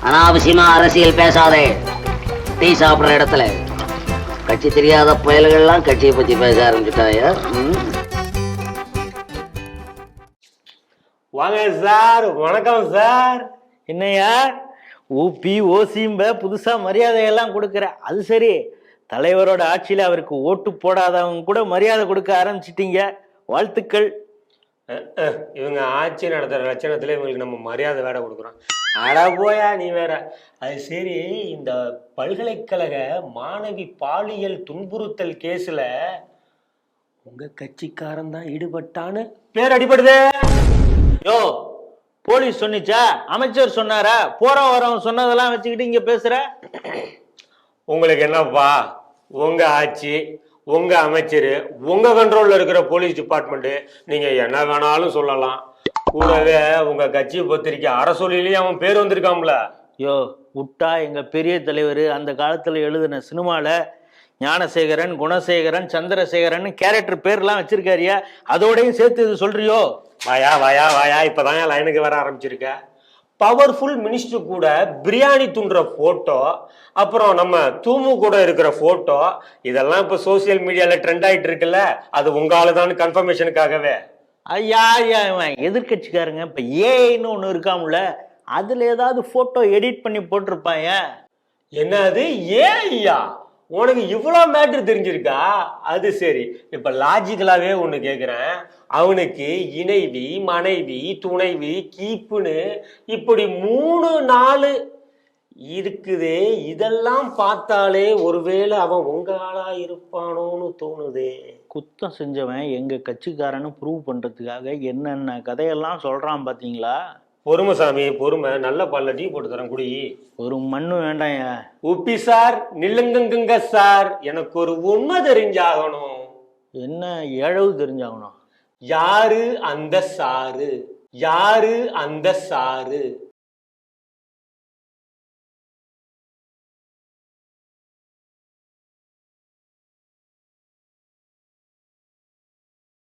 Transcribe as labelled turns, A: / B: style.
A: அனாவசியமா அரசியல் பேசாதே. டீ சாப்பிடுற இடத்துல கட்சி தெரியாத புயல்கள்லாம் கட்சியை பத்தி பேச ஆரம்பிச்சுட்டாயா?
B: வாங்க சார். வணக்கம் சார்.
C: என்னையா ஊபி ஓசிம்ப புதுசா மரியாதையெல்லாம் கொடுக்குற? அது சரி, தலைவரோட ஆட்சியில அவருக்கு ஓட்டு போடாதவங்க கூட மரியாதை கொடுக்க ஆரம்பிச்சிட்டீங்க. வாழ்த்துக்கள்.
B: இவங்க ஆட்சி நடத்துற லட்சணத்துல இவங்களுக்கு நம்ம மரியாதை வேற கொடுக்குறோம். அட போயா நீ வேற. அது சரி, இந்த பல்கலைக்கழக மாணவி பாலியல் துன்புறுத்தல் கேஸ்ல உங்க கட்சிக்காரன் தான் ஈடுபட்டான்னு பேர் அடிபடுதே.
C: யோ, போலீஸ் சொன்னிச்சா? அமைச்சர் சொன்னாரா? போற வரவன் சொன்னதெல்லாம் வச்சுக்கிட்டு இங்க பேசுற?
B: உங்களுக்கு என்னப்பா, உங்க ஆட்சி, உங்க அமைச்சர், உங்க கண்ட்ரோல்ல இருக்கிற போலீஸ் டிபார்ட்மெண்ட், நீங்க என்ன வேணாலும் சொல்லலாம். கூடவே உங்க கட்சி பத்திரிக்கை அரசொலியிலேயே அவன் பேர் வந்திருக்காம்ல.
C: யோ, விட்டா எங்க பெரிய தலைவர் அந்த காலத்துல எழுதின சினிமால ஞானசேகரன், குணசேகரன், சந்திரசேகரன் கேரக்டர் பேர்லாம் வச்சிருக்காரியா? அதோடையும் சேர்த்து இது சொல்றியோ?
B: வாயா வாயா வாயா, இப்பதான் என் லைனுக்கு வர ஆரம்பிச்சிருக்க. பவர்ஃபுல் மினிஸ்டர் கூட பிரியாணி துண்டுற போட்டோ, அப்புறம் நம்ம தூமு கூட இருக்கிற போட்டோ, இதெல்லாம் இப்ப சோசியல் மீடியால ட்ரெண்ட் ஆயிட்டு இருக்குல்ல. அது உங்க ஆளுதான் கன்ஃபர்மேஷனுக்காகவே.
C: ஐயா இவன் எதிர்கட்சிக்காரங்க இப்ப ஏன்னு ஒண்ணு இருக்காமுல, அதுல ஏதாவது போட்டோ எடிட் பண்ணி போட்டிருப்பாங்க.
B: என்னது ஐயா? உனக்கு இவ்வளவு மேட்ரு தெரிஞ்சிருக்கா? அது சரி, இப்ப லாஜிக்கலாவே ஒண்ணு கேக்குறேன். அவனுக்கு இணைவி, மனைவி, துணைவி, கீப்புன்னு இப்படி 3-4 இருக்குதே. இதெல்லாம் பார்த்தாலே ஒருவேளை அவன் உங்க ஆளா இருப்பானோன்னு தோணுதே.
C: குத்தம் செஞ்சவன் எங்க கட்சிக்காரன்னு ப்ரூவ் பண்றதுக்காக என்னென்ன கதையெல்லாம் சொல்றான் பாத்தீங்களா?
B: பொறுமை சாமி, பொறுமை. நல்ல பால்ல டீ போட்டு தரேன், குடி.
C: ஒரு மண்ணு வேண்டாம்.
B: உப்பி சார், நில்லுங்க சார், எனக்கு ஒரு உண்மை தெரிஞ்சாகணும்.
C: என்ன ஏழவு தெரிஞ்சாகணும்?
B: யாரு அந்த சாரு? யாரு அந்த சாரு?